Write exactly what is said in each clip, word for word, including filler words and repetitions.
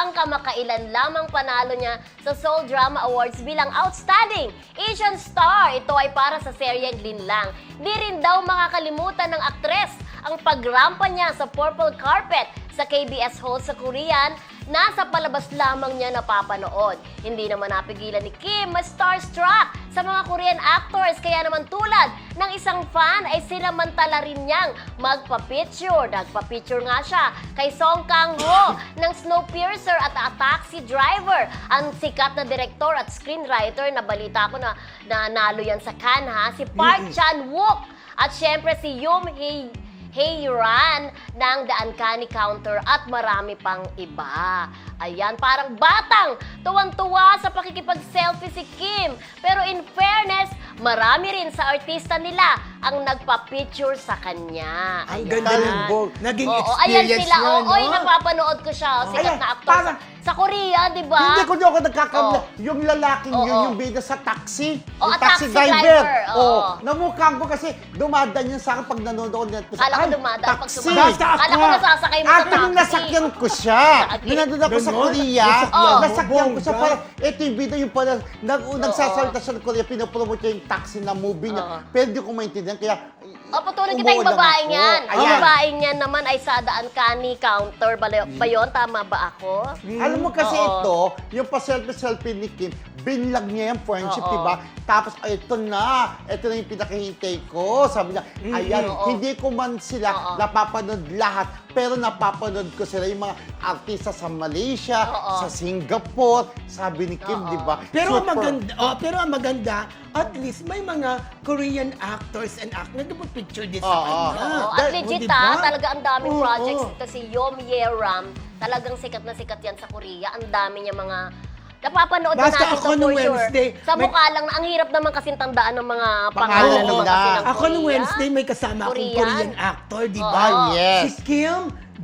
ang kamakailan lamang panalo niya sa Seoul Drama Awards bilang Outstanding Asian Star. Ito ay para sa seryeng Linlang. Di rin daw makakalimutan ng aktres ang pagrampa niya sa purple carpet sa K B S Hall sa Korean, nasa palabas lamang niya napapanood. Hindi naman napigilan ni Kim ma-starstruck sa mga Korean actors, kaya naman tulad ng isang fan ay sinamantala rin niyang magpa-picture. Nagpa-picture nga siya kay Song Kang-ho ng Snowpiercer at A Taxi Driver, ang sikat na direktor at screenwriter na balita ko na nanalo yan sa Cannes, ha? Si Park Chan-wook at syempre si Yoon Hee Hey Ran ng The Uncanny Counter at marami pang iba. Ayan, parang batang tuwang-tuwa sa pakikipag-selfie si Kim. Pero in fairness, marami rin sa artista nila ang nagpa-picture sa kanya. Ang Ayan. ganda ng book. Naging Oo, experience ayan sila. niya, Oo, no? oy, napapanood ko siya. Sikat Ayan, na actor parang- sa, sa Korea, di ba? Hindi ko di ako nagkakamla. Oo. Yung lalaking Oo. yun, yung bida sa taxi. Oo, yung taxi driver. Oo. Oo. Namukha ko kasi dumadaan yun sa akin pag nanonood ako ng Netflix. Kala ko Ay, dumadaan pag taxi. sumakay. Basta Kala ko ako. nasasakay mo sa At nung taxi. nasakyan ko siya, Sakit. nung nandun ako sa Ganon? Korea, Oo. nasakyan ko siya Bongga. para, eto yung bida yung pala, nag, nagsasalita siya ng Korea, pinopromote niya yung taxi na movie niya. Oo. Pero di ko maintindihan, kaya O, patuloy kita yung umuulan babae ako. niyan. Ang Ayan. babae niyan naman ay sa The Uncanny Counter. Ba, ba yun? Tama ba ako? Alam mo kasi Oo. ito, yung pa-selfie-selfie ni Kim, binlag niya yung friendship, Oo. diba? Tapos, ay, ito na, ito na yung pinakahintay ko. Sabi niya, ayan, Oo. hindi ko man sila Oo. napapanood lahat, pero napapanood ko sila yung mga artista sa Malaysia, Oo. sa Singapore, sabi ni Kim, Oo. diba? Pero ang Super. maganda, oh, pero ang maganda, at least may mga Korean actors and actors na picture din sa Oo. kanya. Oo, Ah, at dahil- legit diba? ha, talaga ang daming Oo. projects. Ito si Yom Ye-ram, talagang sikat na sikat yan sa Korea. Ang dami niya mga napapanood na Basta natin ako to nung for sure. Wednesday, Sa may- mukha lang, na- ang hirap naman kasing tandaan ng mga Pangalan pangalan naman nila. kasi ng Ako nung Korea. Wednesday may kasama akong Korean? Korean actor, di Oo. ba? Ah, yes. Si Kim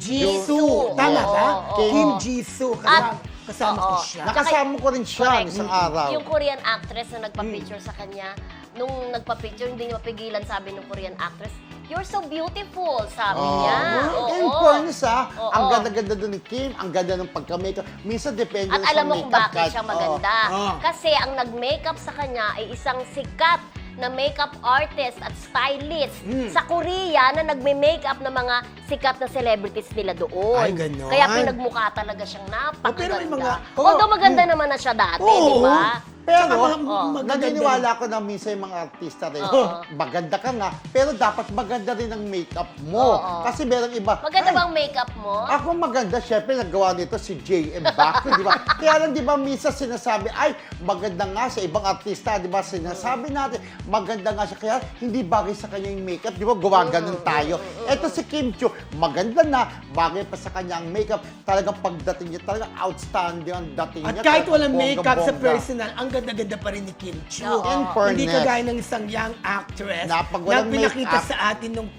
Jisoo. Oo, Tama oo, ba? oo. Kim Jisoo. At- Kasama, kasama ko oo. siya. Nakasama ko rin siya Correct. isang araw. Yung Korean actress na nagpa-picture sa kanya, nung nagpa-picture, hindi niya mapigilan, sabi ng Korean actress, "You're so beautiful," sabi Oo. niya. Oh, In Oo. fairness ha, Oo. ang ganda-ganda doon ni Kim, ang ganda ng pagka-makeup. Minsan depende At sa alam mo kung makeup bakit kahit- siya maganda. Oo. Kasi ang nag-makeup sa kanya ay isang sikat na makeup artist at stylist Mm. sa Korea na nagme-makeup ng mga sikat na celebrities nila doon. Ay, ganon. Kaya pinagmukha talaga siyang Oh, pero may napakaganda. mga- Although oh, maganda naman na siya dati, Oo. di ba? Pero, Tsaka mga- Oo. magaganda naniniwala ako na minsan yung mga artista rin, Oo. maganda ka nga, pero dapat maganda rin ang makeup mo. Oo. Kasi merong iba, Maganda "Ay, bang makeup mo? Ako maganda, syempre nagawa nito si J M Baco, di ba? Kaya lang, di ba, minsan sinasabi, ay, maganda nga sa ibang artista, di ba? Sinasabi natin, maganda nga siya, kaya hindi bagay sa kanya yung makeup, di ba? Gawa ganun tayo. Eto si Kim Chiu, maganda na, bagay pa sa kanya ang makeup. Talagang pagdating niya, talagang outstanding ang dating At niya. kahit Talagang walang makeup sa bongga-bongga. personal, ang ganda-ganda pa rin ni Kim Chiu. Oo. In Hindi fairness. kagaya ng isang young actress Na pag walang pinakita makeup- sa atin nung...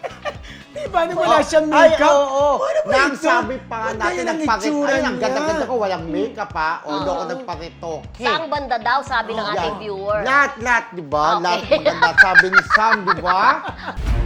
Di ba? Nung wala siyang Ay, makeup. oo, oo. Ano ba Nang ito? sabi pa nga Ang natin, ganda ng nagpakit, itsura ay, ang niya. ganda-ganda ko, walang makeup ha. Although ako Oo. nagparitoke. Saang banda daw, sabi ng Yan. ating viewer. Lahat, lahat, di ba? Okay. Lahat maganda. Sabi ni Sam, di ba?